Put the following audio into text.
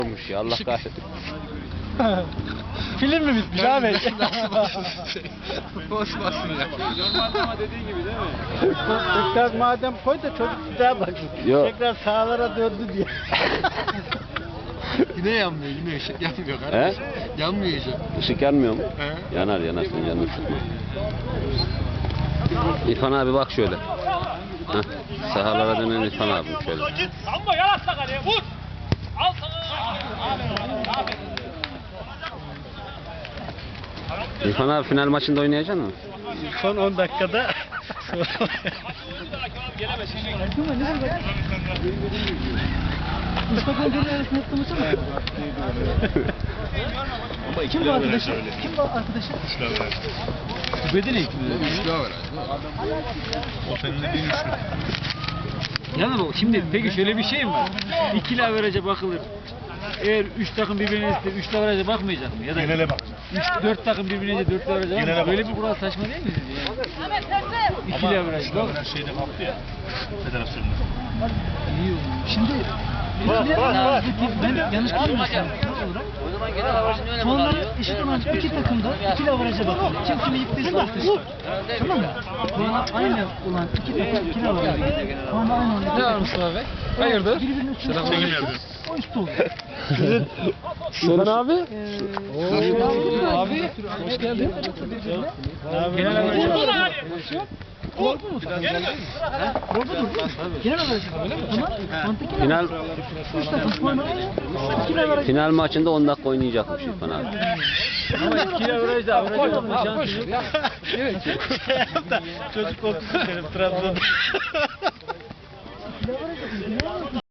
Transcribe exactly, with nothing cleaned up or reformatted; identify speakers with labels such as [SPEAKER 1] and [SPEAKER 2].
[SPEAKER 1] olmuş ya Allah kahretsin.
[SPEAKER 2] Film mi bitmiş abi?
[SPEAKER 3] Boş basın ya.
[SPEAKER 4] Normalde ama dediğin gibi değil mi?
[SPEAKER 2] Tekrar madem koy da çocuk bir daha bak.
[SPEAKER 1] Yok.
[SPEAKER 2] Tekrar sağlara döndü diye.
[SPEAKER 3] Yine yanmıyor, yine ışık yanmıyor
[SPEAKER 1] He?
[SPEAKER 3] kardeş. Yanmıyor ışık.
[SPEAKER 1] Işık yanmıyor mu?
[SPEAKER 3] He?
[SPEAKER 1] Yanar yanar sen canını sıkma. İrfan abi bak şöyle. Heh, sahalara dönen İrfan abi şöyle.
[SPEAKER 4] Samba yaratla kaleye vur. Al sana.
[SPEAKER 1] İrfan abi final maçında oynayacak mısın?
[SPEAKER 2] Son on dakikada. Mustafa Göl'ün arasında yaptığımızı mı? Kim bu arkadaşı? Kim bu arkadaşı? Bedeli mi?
[SPEAKER 3] Üçlü var herhalde.
[SPEAKER 5] O seninle bir üçlü.
[SPEAKER 4] Yani bak şimdi peki şöyle bir şey mi var? İkili averaj'a bakılır. Eğer üç takım birbirine ister, üçlü averaja bakmayacak mı? Ya da
[SPEAKER 5] Genele bakacağım.
[SPEAKER 4] üç, dört takım birbirine ister, dörtlü averaja
[SPEAKER 5] Genele
[SPEAKER 4] bakmayacak mı? Böyle bir
[SPEAKER 5] bakacağım.
[SPEAKER 4] kural saçma değil mi sizce yani? İkili averaj.
[SPEAKER 5] Üçlü averaj şeyde kalktı ya. Federasyonda.
[SPEAKER 4] İyi olmuş.
[SPEAKER 2] Şimdi
[SPEAKER 5] Bak, bak, bak.
[SPEAKER 2] ben yanlış bilmiyorsam puanları eşit olan iki takımda ikili averaja bakıyor. Kim kimi yıktıysa bakıyor. Tamam mı? Puanı aynı olan iki takım ikili averaja bakıyor. Puanı aynı olan iki takım.
[SPEAKER 3] Mustafa Bey? Hayırdır?
[SPEAKER 2] Birbirinin üstüne
[SPEAKER 5] Çekim yapıyor.
[SPEAKER 2] o üstü oluyor.
[SPEAKER 1] İrfan abi.
[SPEAKER 2] Abi hoş geldin.
[SPEAKER 4] Genel averaj.
[SPEAKER 2] Doğru mu? Doğru mu? Genel averaja bakıyor. Ama mantıklı.
[SPEAKER 1] Final
[SPEAKER 2] Üç takım puanı aynı. İkili averaja.
[SPEAKER 1] final maçında on dakika oynayacakmış İrfan abi.
[SPEAKER 4] Ama ikili averaj da averaj bakma şansı yok.
[SPEAKER 2] Çocuk korkusu benim Trabzon'da.